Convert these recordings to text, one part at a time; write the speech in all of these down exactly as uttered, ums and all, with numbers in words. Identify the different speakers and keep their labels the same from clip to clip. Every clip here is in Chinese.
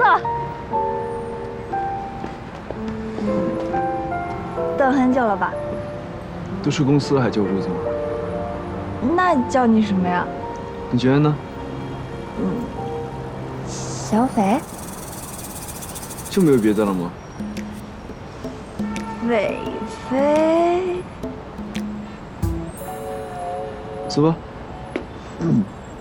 Speaker 1: 了。等很久了吧？
Speaker 2: 都去公司了还叫我周总？
Speaker 1: 那叫你什么呀？
Speaker 2: 你觉得呢？
Speaker 1: 嗯，小斐。
Speaker 2: 就没有别的了吗？
Speaker 1: 韦飞。
Speaker 2: 走吧。嗯。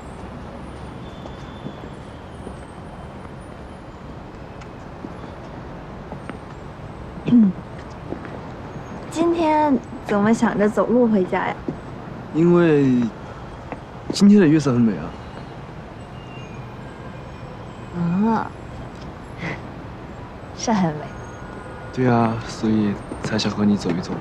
Speaker 1: 嗯。今天怎么想着走路回家呀？
Speaker 2: 因为今天的月色很美啊。
Speaker 1: 啊，是很美。
Speaker 2: 对啊，所以才想和你走一走。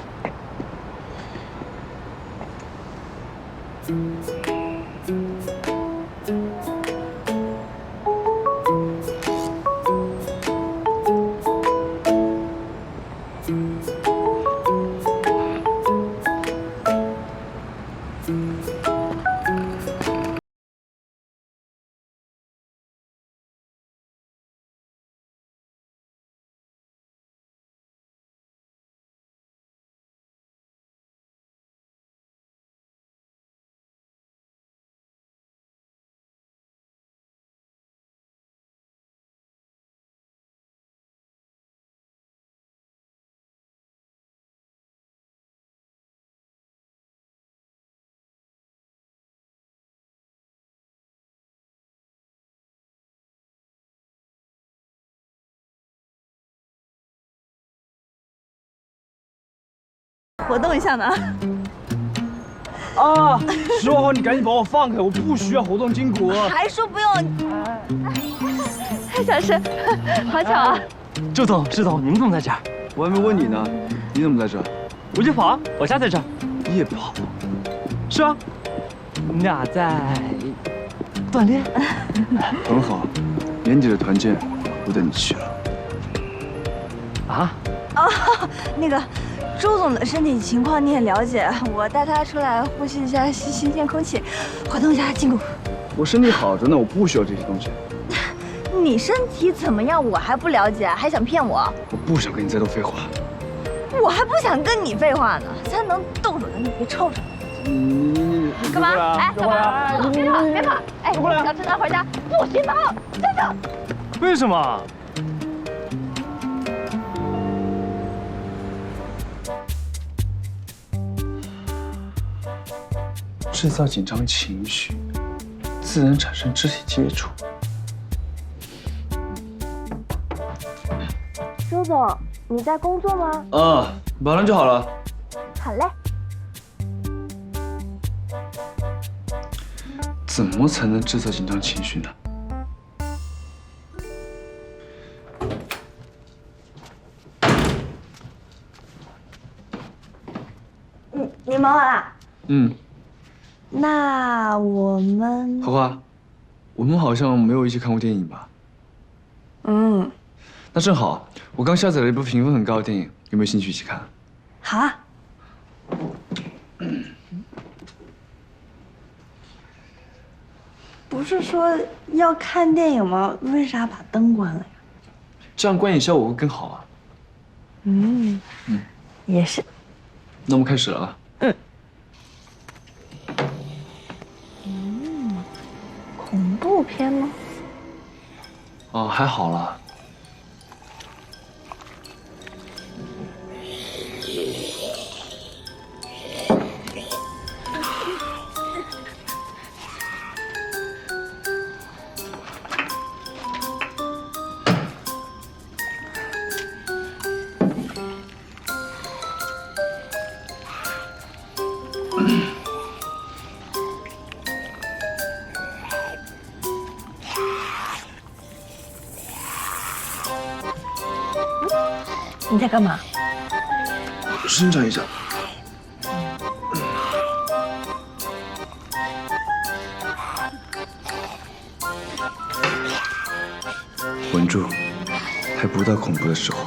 Speaker 1: 活动一下呢。
Speaker 3: 啊！十万号，你赶紧把我放开，我不需要活动筋骨。
Speaker 1: 还说不用。小石，好巧啊！
Speaker 3: 周总，周总，您怎么在这儿？
Speaker 2: 我还没问你呢，你怎么在这？
Speaker 3: 我就跑啊，我家在这儿。
Speaker 2: 夜跑？
Speaker 3: 是啊，我们俩在锻炼。
Speaker 2: 很好，年底的团建我带你去了。
Speaker 3: 啊？
Speaker 1: 哦，那个。周总的身体情况你也了解，我带他出来呼吸一下新新鲜空气，活动一下筋骨。
Speaker 2: 我身体好着呢，我不需要这些东西。
Speaker 1: 你身体怎么样，我还不了解，还想骗我？
Speaker 2: 我不想跟你再多废话。
Speaker 1: 我还不想跟你废话呢，才能动手的你别臭着。
Speaker 2: 你你
Speaker 1: 你你干嘛？哎，干嘛？别跑别跑！哎，想吃咱回家，不许跑！站住！
Speaker 3: 为什么？
Speaker 2: 制造紧张情绪，自然产生肢体接触。
Speaker 1: 周总，你在工作吗？
Speaker 2: 啊，马上就好了。
Speaker 1: 好嘞。
Speaker 2: 怎么才能制造紧张情绪呢？
Speaker 1: 你你忙完了？嗯。那我们
Speaker 2: 花花，我们好像没有一起看过电影吧？
Speaker 1: 嗯，
Speaker 2: 那正好，我刚下载了一部评分很高的电影，有没有兴趣一起看？
Speaker 1: 好啊。不是说要看电影吗？为啥把灯关了呀？
Speaker 2: 这样观影效果会更好啊。
Speaker 1: 嗯嗯，也是。
Speaker 2: 那我们开始了。嗯。
Speaker 1: 恐怖片吗？
Speaker 2: 哦，还好啦。
Speaker 1: 你在干嘛？
Speaker 2: 伸展一下。稳住，还不到恐怖的时候。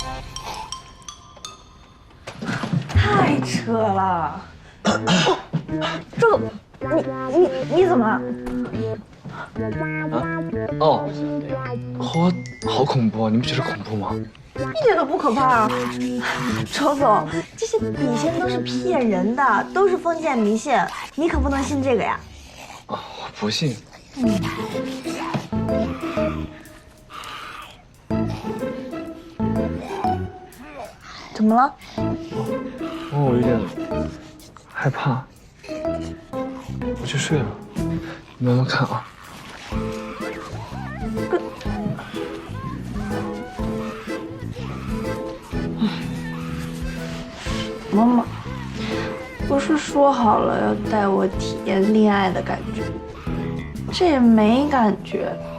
Speaker 1: 太扯了！ 周总，你你你怎么了？
Speaker 2: 啊？哦，好，好恐怖啊！你不觉得恐怖吗？
Speaker 1: 一点都不可怕啊！周总，这些笔仙都是骗人的，都是封建迷信，你可不能信这个呀！
Speaker 2: 啊，我不信。
Speaker 1: 嗯。怎么了？
Speaker 2: 哦，我有点害怕，我去睡了，你慢慢看啊。
Speaker 1: 妈妈，不是说好了要带我体验恋爱的感觉，这也没感觉。